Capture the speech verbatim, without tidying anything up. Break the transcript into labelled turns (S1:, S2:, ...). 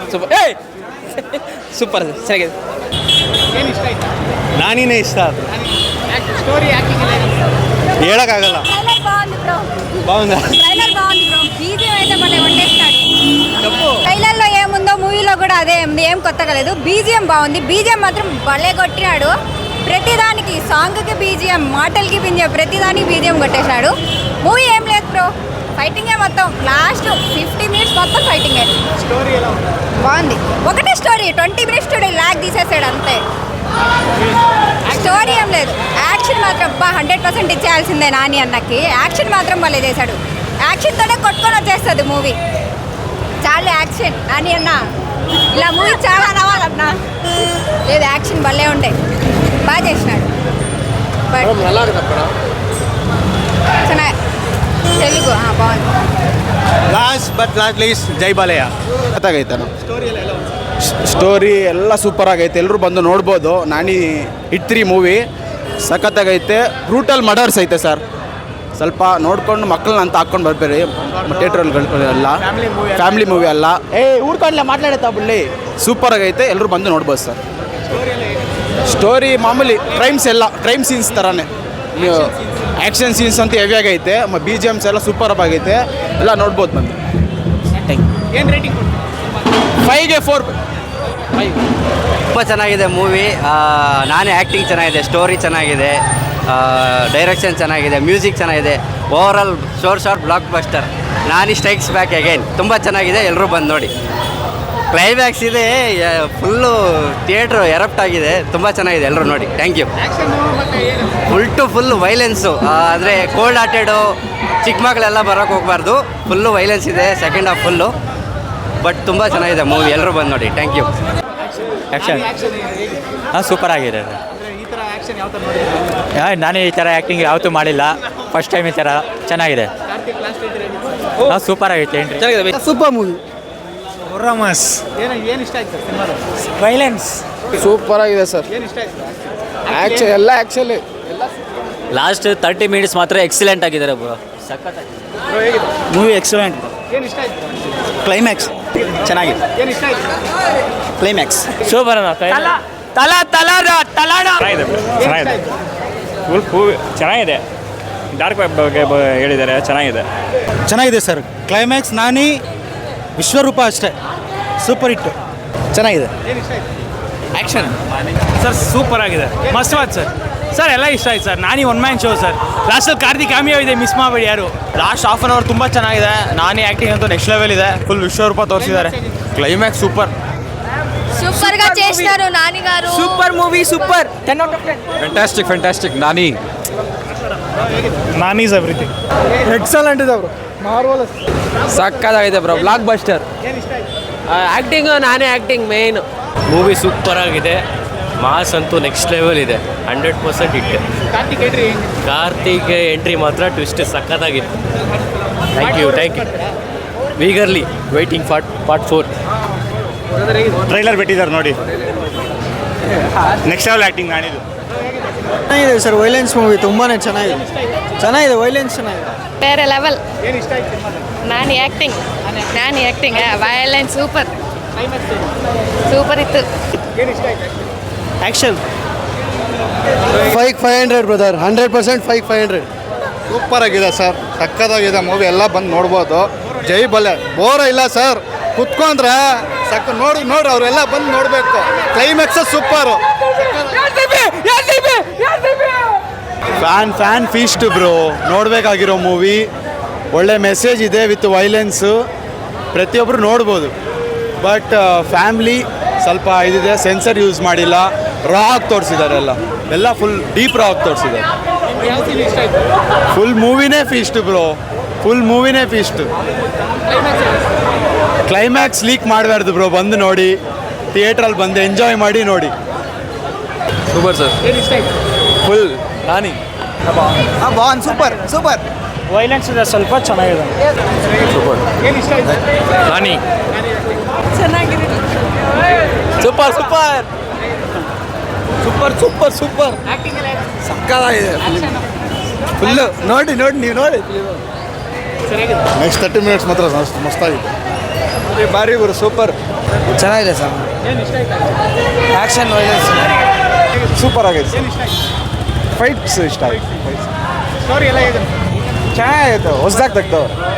S1: Super ಏಯ್ super ಚೆನ್ನಾಗಿದೆ.
S2: ಏನು ಇಷ್ಟ ಆಯ್ತಾ?
S3: ನಾನಿನೇ ಇಷ್ಟ ಆಯ್ತು.
S2: ಸ್ಟೋರಿ ಆ್ಯಕ್ಟಿಂಗ್ ಎಲ್ಲ
S3: ಹೇಳೋಕ್ಕಾಗಲ್ಲ. బాగుందా?
S4: ట్రైలర్ బాగుంది బ్రో. బీజిఎం అయితే మళ్ళీ వండేస్తాడు. ట్రైలర్లో ఏముందో మూవీలో కూడా అదే ఉంది. ఏం కొత్తగా లేదు. బీజిఎం బాగుంది. బీజిఎం మాత్రం భలే కొట్టినాడు. ప్రతిదానికి సాంగ్కి బీజిఎం, మాటలకి బీజిఎం, ప్రతిదానికి బీజిఎం కొట్టేశాడు. మూవీ ఏం లేదు బ్రో, ఫైటింగే మొత్తం. లాస్ట్ ఫిఫ్టీ మినిట్స్ మొత్తం ఫైటింగే.
S2: స్టోరీ ఎలా ఉంది?
S4: బాగుంది. ఒకటే story, twenty minutes story lag తీసేసాడు అంతే. స్టోరీ ఏం లేదు. యాక్షన్ మాత్రం బా హండ్రెడ్ పర్సెంట్ ఇచ్చేయాల్సిందే నాని అన్నకి. యాక్షన్ మాత్రం భలే చేశాడు. యాక్షన్తోనే కొట్టుకొని వచ్చేస్తుంది మూవీ. చాలా యాక్షన్ నాని అన్న, ఇలా మూవీ చాలా రావాలన్నా. లేదు, యాక్షన్ భలే ఉండే, బాగా చేసినాడు. బట్ ಚೆನ್ನಾಗಿ తెలుగు బాగుంది.
S3: Last but not least Jai Balayya. ಗೊತ್ತಾಗೈತೆ
S2: ಸ್ಟೋರಿ ಎಲ್ಲ ಎಲ್ಲ ಒಂದು
S3: ಸ್ಟೋರಿ ಎಲ್ಲ ಸೂಪರ್ ಆಗೈತೆ. ಎಲ್ಲರೂ ಬಂದು ನೋಡ್ಬೋದು. ನಾನಿ ಹಿಟ್ ತ್ರೀ ಮೂವಿ ಸಖತ್ತಾಗೈತೆ. ಬ್ರೂಟಲ್ ಮರ್ಡರ್ಸ್ ಐತೆ ಸರ್. ಸ್ವಲ್ಪ ನೋಡ್ಕೊಂಡು ಮಕ್ಕಳನ್ನ ಅಂತ ಹಾಕ್ಕೊಂಡು ಬರ್ಬೇರಿ ಥಿಯೇಟ್ರಲ್ಲಿ ಎಲ್ಲ. ಫ್ಯಾಮಿಲಿ ಮೂವಿ ಅಲ್ಲ. ಏ ಊರ್ಕೊಂಡ್ಲೆ ಮಾತಾಡತ್ತಾ ಬುಳ್ಳಿ. ಸೂಪರ್ ಆಗೈತೆ. ಎಲ್ಲರೂ ಬಂದು ನೋಡ್ಬೋದು ಸರ್. ಸ್ಟೋರಿ ಮಾಮೂಲಿ ಕ್ರೈಮ್ಸ್ ಎಲ್ಲ ಕ್ರೈಮ್ ಸೀನ್ಸ್ ಥರನೇ. ನೀವು ಆ್ಯಕ್ಷನ್ ಸೀನ್ಸ್ ಅಂತ ಹೆವಿ ಆಗೈತೆ. ಬಿ ಜಿ ಎಮ್ಸ್ ಎಲ್ಲ ಸೂಪರ್ ಆಗೈತೆ. ಎಲ್ಲ ನೋಡ್ಬೋದು ಬಂದು.
S2: ಏನು ರೇಟಿಂಗ್ ಕೊಡ್ತೀವಿ?
S3: ಫೈವ್ಗೆ ಫೋರ್ ಫೈವ್.
S5: ತುಂಬ ಚೆನ್ನಾಗಿದೆ ಮೂವಿ. ನಾನೇ ಆ್ಯಕ್ಟಿಂಗ್ ಚೆನ್ನಾಗಿದೆ, ಸ್ಟೋರಿ ಚೆನ್ನಾಗಿದೆ, ಡೈರೆಕ್ಷನ್ ಚೆನ್ನಾಗಿದೆ, ಮ್ಯೂಸಿಕ್ ಚೆನ್ನಾಗಿದೆ. Overall sure shot blockbuster. Nani strikes back again. ತುಂಬ ಚೆನ್ನಾಗಿದೆ, ಎಲ್ಲರೂ ಬಂದು ನೋಡಿ. ಕ್ಲೈಮ್ಯಾಕ್ಸ್ ಇದೆ, ಫುಲ್ಲು ಥಿಯೇಟ್ರು ಎರಪ್ಟ್ ಆಗಿದೆ. ತುಂಬ ಚೆನ್ನಾಗಿದೆ, ಎಲ್ಲರೂ ನೋಡಿ. Thank you.
S2: ಆ್ಯಕ್ಷನ್ ಮತ್ತು ಏನು
S5: ಫುಲ್ ಟು ಫುಲ್ಲು ವೈಲೆನ್ಸು. ಅಂದರೆ ಕೋಲ್ಡ್ ಹಾರ್ಟೆಡು ಚಿಕ್ಕ ಮಕ್ಕಳೆಲ್ಲ ಬರೋಕ್ಕೆ ಹೋಗಬಾರ್ದು. ಫುಲ್ಲು ವೈಲೆನ್ಸ್ ಇದೆ ಸೆಕೆಂಡ್ ಹಾಫ್ ಫುಲ್ಲು. ಬಟ್ ತುಂಬ ಚೆನ್ನಾಗಿದೆ ಮೂವಿ, ಎಲ್ಲರೂ ಬಂದು ನೋಡಿ. Thank you.
S6: ಆ್ಯಕ್ಷನ್
S2: ಆ್ಯಕ್ಷನ್ ಹೇಗೆ?
S6: ಹಾಂ ಸೂಪರ್ ಆಗಿದೆ.
S2: ಅಂದರೆ ಈ ಥರ ಆ್ಯಕ್ಷನ್ ಯಾವ ಥರ ನೋಡಿದ್ರೆ?
S6: ನಾನು ಈ ಥರ ಆ್ಯಕ್ಟಿಂಗ್ ಯಾವತ್ತೂ ಮಾಡಿಲ್ಲ, ಫಸ್ಟ್ ಟೈಮ್ ಈ ಥರ ಚೆನ್ನಾಗಿದೆ.
S2: ಕಾರ್ತಿಕ್ ಲಾಸ್ಟ್ ರೇಟಿಂಗ್
S6: ಹಾಂ ಸೂಪರ್ ಆಗೈತೆ. ಏನು
S1: ಚೆನ್ನಾಗಿದೆ.
S3: Super movie.
S6: ರಮಸ್
S2: ಏನು ಏನು ಇಷ್ಟ ಆಯ್ತು ಸಿನಿಮಾದ?
S6: ವೈಲೆನ್ಸ್
S3: ಸೂಪರ್ ಆಗಿದೆ ಸರ್.
S2: ಏನು ಇಷ್ಟ ಆಯ್ತು?
S3: ಆ್ಯಕ್ಷನ್ ಎಲ್ಲ ಆ್ಯಕ್ಚುಲಿ
S6: ಲಾಸ್ಟ್ ತರ್ಟಿ ಮಿನಿಟ್ಸ್ ಮಾತ್ರ ಎಕ್ಸಲೆಂಟ್ ಆಗಿದ್ದಾರೆ ಬ್ರೋ. ಸಖತ್ತಾಗಿದೆ
S2: ಬ್ರೋ, ಹೇಗಿದೆ
S6: ಮೂವಿ. ಎಕ್ಸಲೆಂಟ್.
S2: ಏನು ಇಷ್ಟ ಆಯ್ತು?
S6: ಕ್ಲೈಮ್ಯಾಕ್ಸ್ ಚೆನ್ನಾಗಿದೆ.
S2: ಏನು ಇಷ್ಟ ಆಯ್ತು?
S6: Climax super. ತಲಾ ತಲಾ ತಲಾಡ
S7: ಚೆನ್ನಾಗಿದೆ
S2: ಏನು ಇಷ್ಟ
S7: ಚೆನ್ನಾಗಿದೆ.
S2: ಆಯ್ತು?
S7: ಫುಲ್ ಮೂವಿ ಚೆನ್ನಾಗಿದೆ. ಡಾರ್ಕ್ ವೆಬ್ ಬಗ್ಗೆ ಬ- ಹೇಳಿದ್ದಾರೆ, ಚೆನ್ನಾಗಿದೆ.
S3: ಚೆನ್ನಾಗಿದೆ ಸರ್. ಕ್ಲೈಮ್ಯಾಕ್ಸ್ ನಾನಿ ವಿಶ್ವರೂಪ ಅಷ್ಟೇ ಸೂಪರ್ ಹಿಟ್. ಚೆನ್ನಾಗಿದೆ.
S2: ಏನು ಇಷ್ಟ ಆಯ್ತು?
S6: ಆ್ಯಕ್ಷನ್ ಸರ್ ಸೂಪರ್ ಆಗಿದೆ. ಮಸ್ತ್ ಮಾತು ಸರ್. ಸರ್ ಎಲ್ಲ ಇಷ್ಟ ಆಯ್ತು sir. Nani one man show sir. ಲಾಸ್ಟಲ್ಲಿ ಕಾರ್ತಿಕ್ ಕ್ಯಾಮಿಯೋ ಇದೆ, ಮಿಸ್ ಮಾಡಬೇಡಿ ಯಾರು. ಲಾಸ್ಟ್ ಹಾಫ್ ಆನ್ ಅವರ್ ತುಂಬ ಚೆನ್ನಾಗಿದೆ. ನಾನಿ ಆ್ಯಕ್ಟಿಂಗ್ ಅಂತೂ ನೆಕ್ಸ್ಟ್ ಲೆವೆಲ್ ಇದೆ. ಫುಲ್ ವಿಶ್ವರೂಪ ತೋರಿಸಿದ್ದಾರೆ. Climax super.
S4: సూపర్ గా చేశారు నాని గారు.
S1: Super movie, super. Ten out of ten.
S3: Fantastic fantastic. Nani
S6: Nani is everything.
S3: Excellent ಇದೆ ಬ್ರೋ. ಮಾರ್ವಲಸ್.
S1: ಸಕ್ಕತ್ತಾಗಿದೆ ಬ್ರೋ, ಬ್ಲಾಕ್ ಬಸ್ಟರ್.
S2: ಏನು ಇಷ್ಟ ಆಯ್ತು?
S1: ಆ್ಯಕ್ಟಿಂಗು ನಾನೇ ಆ್ಯಕ್ಟಿಂಗ್ ಮೇನ್.
S6: ಮೂವಿ ಸೂಪರ್ ಆಗಿದೆ. ಮಾಸ್ ಅಂತೂ ನೆಕ್ಸ್ಟ್ ಲೆವೆಲ್ ಇದೆ. ಹಂಡ್ರೆಡ್ ಪರ್ಸೆಂಟ್ ಇಟ್ಟು.
S2: ಕಾರ್ತಿಕ್ ಎಂಟ್ರಿ ಹೆಂಗೆ?
S6: ಕಾರ್ತಿಕ್ ಎಂಟ್ರಿ ಮಾತ್ರ ಟ್ವಿಸ್ಟ್ ಸಖತ್ತಾಗಿತ್ತು. Thank you thank you. Eagerly waiting for part four.
S7: Trailer ಬಿಟ್ಟಿದ್ದಾರೆ ನೋಡಿ. ನೆಕ್ಸ್ಟ್ ಲೆವೆಲ್ ಆ್ಯಕ್ಟಿಂಗ್ ನಾನಿದು.
S3: ಚೆನ್ನಾಗಿದೆ ಸರ್. ವೈಲೆನ್ಸ್ ಮೂವಿ ತುಂಬಾ ಚೆನ್ನಾಗಿದೆ. ಚೆನ್ನಾಗಿದೆ, ವೈಲೆನ್ಸ್ ಚೆನ್ನಾಗಿದೆ.
S8: ಬೇರೆ ಲೆವೆಲ್.
S2: ಏನು ಇಷ್ಟ ಆಯ್ತು ಸಿನಿಮಾದ?
S8: ನಾನು ಆ್ಯಕ್ಟಿಂಗ್ ನಾನು acting violence super
S2: climax
S8: super ಇತ್ತು.
S2: ಏನು ಇಷ್ಟ ಆಯ್ತು?
S3: Action five five hundred brother. Hundred percent five five hundred. Super ಆಗಿದೆ ಸರ್. ಸಕ್ಕತ್ತಾಗಿದೆ ಮೂವಿ. ಎಲ್ಲ ಬಂದು ನೋಡ್ಬೋದು. ಜೈ ಬಲೆ. ಬೋರ ಇಲ್ಲ ಸರ್. ಕುತ್ಕೊಂಡ್ರೆ ಸಕ್ಕ ನೋಡಿ ನೋಡಿ ಅವರೆಲ್ಲ ಬಂದು ನೋಡಬೇಕು. Climax super. Fan fan feast bro. ನೋಡಬೇಕಾಗಿರೋ ಮೂವಿ. ಒಳ್ಳೆ ಮೆಸೇಜ್ ಇದೆ ವಿತ್ ವೈಲೆನ್ಸು. ಪ್ರತಿಯೊಬ್ಬರು ನೋಡ್ಬೋದು. ಬಟ್ ಫ್ಯಾಮ್ಲಿ ಸ್ವಲ್ಪ ಇದಿದೆ. ಸೆನ್ಸರ್ ಯೂಸ್ ಮಾಡಿಲ್ಲ. ರಾ ಆಗಿ ತೋರಿಸಿದ್ದಾರೆ. ಎಲ್ಲ ಎಲ್ಲ ಫುಲ್ ಡೀಪ್ ರಾ ಆಗಿ ತೋರಿಸಿದ್ದಾರೆ.
S2: ಯಾವ ಸೀನ್ ಇಷ್ಟ ಆಯ್ತು?
S3: ಫುಲ್ ಮೂವಿನೇ ಫೀಸ್ಟ್ ಬ್ರೋ. ಫುಲ್ ಮೂವಿನೇ ಫೀಸ್ಟ್. ಕ್ಲೈಮ್ಯಾಕ್ಸ್ ಲೀಕ್ ಮಾಡಬಾರ್ದು ಬ್ರೋ. ಬಂದು ನೋಡಿ, ಥಿಯೇಟ್ರಲ್ಲಿ ಬಂದು ಎಂಜಾಯ್ ಮಾಡಿ ನೋಡಿ.
S1: Super sir.
S2: ಏನು ಇಷ್ಟ ಆಯ್ತು?
S3: ಫುಲ್ ನಾನಿ ಹಾಂ ಬಾನ್ ಸೂಪರ್ ಸೂಪರ್.
S6: ವೈಲೆನ್ಸ್ ಇದೆ ಸ್ವಲ್ಪ, ಚೆನ್ನಾಗಿದೆ.
S2: ಏನು ಇಷ್ಟ ಆಯ್ತು?
S6: ನಾನಿ
S8: ಚೆನ್ನಾಗಿದೆ.
S1: Super super super super super.
S2: Acting ಎಲ್ಲ ಹೇಗೆ?
S3: ಸಕ್ಕತ್ತಾಗಿದೆ ಫುಲ್ಲು. ನೋಡಿ ನೋಡಿ ನೀವು ನೋಡಿ.
S2: ಸರಿಯಾಗಿದೆ.
S3: ನೆಕ್ಸ್ಟ್ ತರ್ಟಿ ಮಿನಿಟ್ಸ್ ಮಾತ್ರ ಮಸ್ತ್ ಮಸ್ತಾಗಿದೆ. ಭಾರಿ ಗುರು ಸೂಪರ್.
S1: ಚೆನ್ನಾಗಿದೆ ಸರ್
S2: ಏನು ಇಷ್ಟ ಆಯ್ತಾ
S1: ಆ್ಯಕ್ಷನ್ ವೈಲೆನ್ಸ್
S3: ಸೂಪರ್ ಆಗೈತೆ
S2: ಏನು ಇಷ್ಟ ಆಯ್ತು
S3: ಫೈಟ್ಸ್ ಇಷ್ಟ ಆಯ್ತು
S2: ಸ್ಟೋರಿ ಎಲ್ಲ ಹೇಗೆ
S3: ಚೆನ್ನಾಗೈತೆ ಹೊಸ್ದಾಗಿ ತೆಗ್ದವ್ರು